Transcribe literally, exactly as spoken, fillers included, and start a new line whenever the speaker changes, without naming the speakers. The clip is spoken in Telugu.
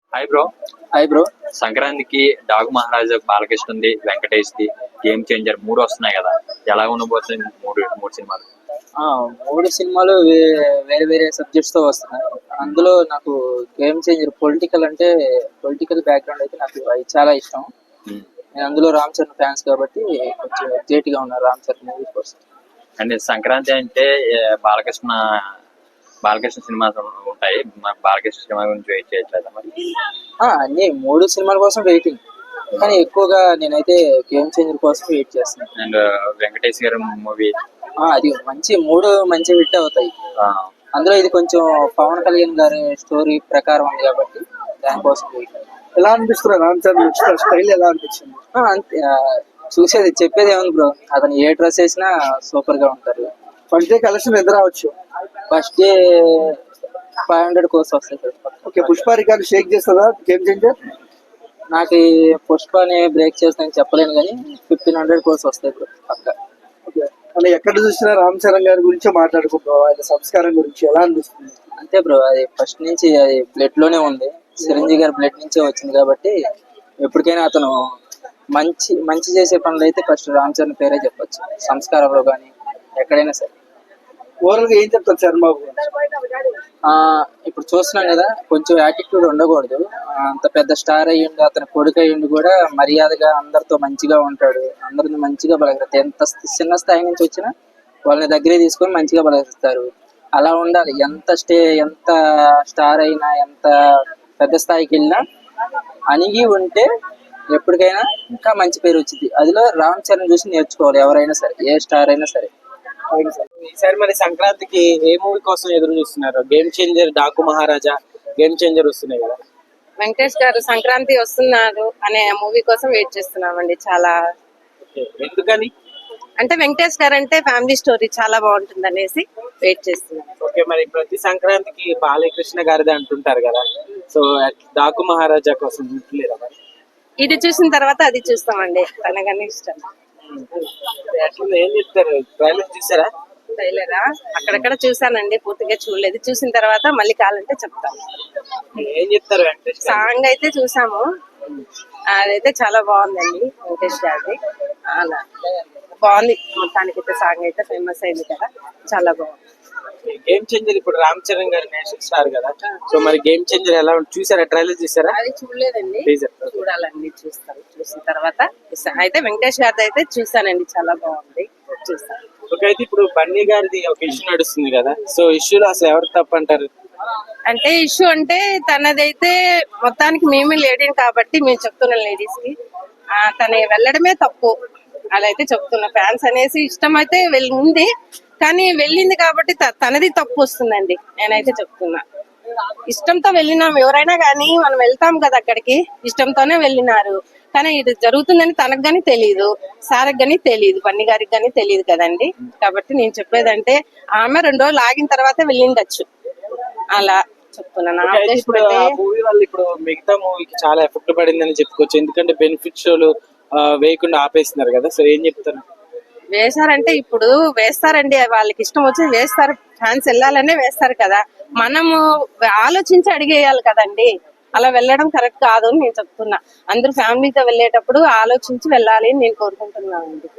Hi bro.
Hi bro.
సంక్రాంతికి డాగు మహారాజా, బాలకృష్ణది, వెంకటేష్ ది, గేమ్ చేంజర్ మూడు వస్తున్నాయి కదా, ఎలా ఉండబోతుంది మూడు మూడు సినిమాలు?
ఆ, మూడు సినిమాలు వే- వేరే వేరే సబ్జెక్ట్స్ తో వస్తున్నాయి. అందులో నాకు గేమ్ చేంజర్ పొలిటికల్ అంటే పొలిటికల్ బ్యాక్గ్రౌండ్ అయితే నాకు అది చాలా ఇష్టం.
ఉమ్.
నేను అందులో రామ్ చరణ్ ఫ్యాన్స్ కాబట్టి కొంచెం ఎగ్జైట్ గా ఉన్నారు రామ్ చరణ్ మూవీ కోసం.
అండ్ సంక్రాంతి అంటే ఏ, బాలకృష్ణ బాలకృష్ణ సినిమాస్ ఉంటాయి. మన బాలకృష్ణ సినిమా గురించి వెయిట్ చేయట్లేదా మరి?
ఆ, అన్ని మూడు సినిమాల కోసం వెయిటింగ్, కానీ ఎక్కువగా నేనైతే గేమ్ చేంజర్ కోసం వెయిట్ చేస్తున్నాను.
అండ్ వెంకటేష్ గారి మూవీ.
ఆ, అది మంచి మూడు మంచి హిట్ అవుతాయి. అందులో ఇది కొంచెం పవన్ కళ్యాణ్ గారి స్టోరీ ప్రకారం ఉంది కాబట్టి దానికోసం వెయిట్.
ఎలా అనిపిస్తుంది రామ్ చరణ్ స్టైల్ ఎలా అనిపించింది?
ఆ, అంతే. ఆ, చూసేది చెప్పేది ఏముంది బ్రో, అతను ఏ డ్రెస్ వేసినా సూపర్ గా ఉంటారు.
ఫస్ట్ డే కలెక్షన్ ఎంత రావచ్చు?
First day five hundred crores వస్తాయి sir.
Okay, Pushpa record shake చేస్తుందా గేమ్ చేంజర్?
నాకు ఈ పుష్పని బ్రేక్ చేస్తానని చెప్పలేను కానీ ఫిఫ్టీన్ హండ్రెడ్ కోర్స్ వస్తాయి బ్రో పక్క.
ఓకే, అంటే ఎక్కడ చూసినా రామ్ చరణ్ గారి గురించి మాట్లాడుకుంటాం, ఆయన సంస్కారం గురించి ఎలా అనిపిస్తుంది?
అంతే బ్రో, అది ఫస్ట్ నుంచి అది బ్లడ్ లోనే ఉంది. చిరంజీవి గారి బ్లడ్ నుంచే వచ్చింది కాబట్టి ఎప్పటికైనా అతను మంచి మంచి చేసే పనులు అయితే ఫస్ట్ రామ్ చరణ్ పేరే చెప్పొచ్చు, సంస్కారంలో కానీ ఎక్కడైనా సరే.
ఓవరాల్ గా ఏం చెప్తారు చరణ్ బాబు గురించి?
ఆ, ఇప్పుడు చూస్తున్నాం కదా, కొంచెం యాటిట్యూడ్ ఉండకూడదు. ఆ, అంత పెద్ద స్టార్ అయ్యిండు, అతని కొడుకు అయ్యిండు కూడా మర్యాదగా అందరితో మంచిగా ఉంటాడు, అందరిని మంచిగా బలగలుగుతాడు. ఎంత చిన్న స్థాయి నుంచి వచ్చినా వాళ్ళని దగ్గరే తీసుకొని మంచిగా బలగిస్తారు. అలా ఉండాలి. ఎంత స్టే ఎంత స్టార్ అయినా ఎంత పెద్ద స్థాయికి వెళ్ళినా అణిగి ఉంటే ఎప్పటికైనా ఇంకా మంచి పేరు వచ్చింది. అదిలో రామ్ చరణ్ చూసి నేర్చుకోవాలి ఎవరైనా సరే, ఏ స్టార్ అయినా సరే.
ఈసారి మరి సంక్రాంతికి ఏ మూవీ కోసం ఎదురు చూస్తున్నారు? Game Changer, Daaku Maharaja, Game Changer వస్తున్నాయి కదా.
వెంకటేష్ గారు సంక్రాంతి వస్తున్నారు అనే మూవీ కోసం వెయిట్ చేస్తున్నామండి చాలా.
ఓకే, ఎందుకని?
అంటే వెంకటేష్ గారు అంటే ఫ్యామిలీ స్టోరీ చాలా బాగుంటుంది అనేసి వెయిట్ చేస్తున్నాం.
ఓకే, మరి ప్రతి సంక్రాంతికి బాలకృష్ణ గారిది అంటుంటారు కదా, సో డాకు మహారాజా కోసం చూడలేదా మరి?
ఇది చూసిన తర్వాత అది చూస్తామండి, తనగానే ఇష్టం.
అట్లా ఏం చెప్తారు? ట్రైలర్ చూసారా?
ట్రైలరా అక్కడక్కడ చూసానండి, పూర్తిగా చూడలేదు. చూసిన తర్వాత మళ్ళీ కావాలంటే చెప్తాను.
ఏం చెప్తారు వెంకటేష్ గారు?
సాంగ్ అయితే చూసాము, అదైతే చాలా బాగుందండి వెంకటేష్ గారిది. అలా బాగుంది, మొత్తానికి అయితే సాంగ్ అయితే ఫేమస్ అయింది కదా, చాలా బాగుంది.
గేమ్ చేంజర్ ఇప్పుడు రామ్ చరణ్ గారు నేషనల్ స్టార్ కదా, సో మరి గేమ్ చేంజర్ ఎలా ఉంటుంది? చూసారా? ట్రైలర్ చూసారా?
అది చూడలేదండి,
Teaser.
చూడాలండి, చూస్తాను. చూసిన తర్వాత ఇస్తాను. అయితే వెంకటేష్ గారిది అయితే చూసానండి, చాలా బాగుంది, చూస్తాను.
ఓకే, అయితే ఇప్పుడు బన్నీ గారిది ఒక ఇష్యూ నడుస్తుంది కదా, సో ఇష్యూలో అసలు ఎవరు తప్పు అంటారు?
అంటే ఇష్యూ అంటే తనదైతే మొత్తానికి మేమే లేడీని కాబట్టి మేము చెప్తున్నాం లేడీస్ కి, ఆ, తన వెళ్ళడమే తప్పు. అలా అయితే చెప్తున్నా. ఫ్యాన్స్ అనేసి ఇష్టం అయితే వెళ్ళి ఉంది, కానీ వెళ్ళింది కాబట్టి త- తనది తప్పు వస్తుందండి, నేనైతే చెప్తున్నా. ఇష్టంతో వెళ్ళినాం, ఎవరైనా కానీ మనం వెళ్తాం కదా అక్కడికి, ఇష్టంతోనే వెళ్ళినారు. కానీ ఇది జరుగుతుందని తనకు గానీ తెలియదు, సార్కి గానీ తెలియదు, బన్నీ గారికి గానీ తెలియదు కదండి. కాబట్టి నేను చెప్పేదంటే ఆమె రెండు రోజులు ఆగిన తర్వాత వెళ్ళిండొచ్చు, అలా చెప్తున్నా. నా
ఓకే, అయితే
ఉద్దేశం
ఇప్పుడు
అయితే
ఆ మూవీ వల్ల ఇప్పుడు మిగతా మూవీకి చాలా ఎఫెక్ట్ పడిందని చెప్పుకోవచ్చు, ఎందుకంటే బెనిఫిట్ షోలు ఆ, వేయకుండా ఆపేస్తున్నారు కదా, సో ఏం చెప్తారు?
వేశారంటే ఇప్పుడు వేస్తారండి, వాళ్ళకి ఇష్టం వచ్చి వేస్తారు, ఫ్యాన్స్ వెళ్ళాలనే వేస్తారు కదా. మనము ఆలోచించి అడిగేయాలి కదండి, అలా వెళ్ళడం కరెక్ట్ కాదు అని నేను చెప్తున్నా. అందరూ ఫ్యామిలీతో వెళ్ళేటప్పుడు ఆలోచించి వెళ్ళాలి అని నేను కోరుకుంటున్నానండి.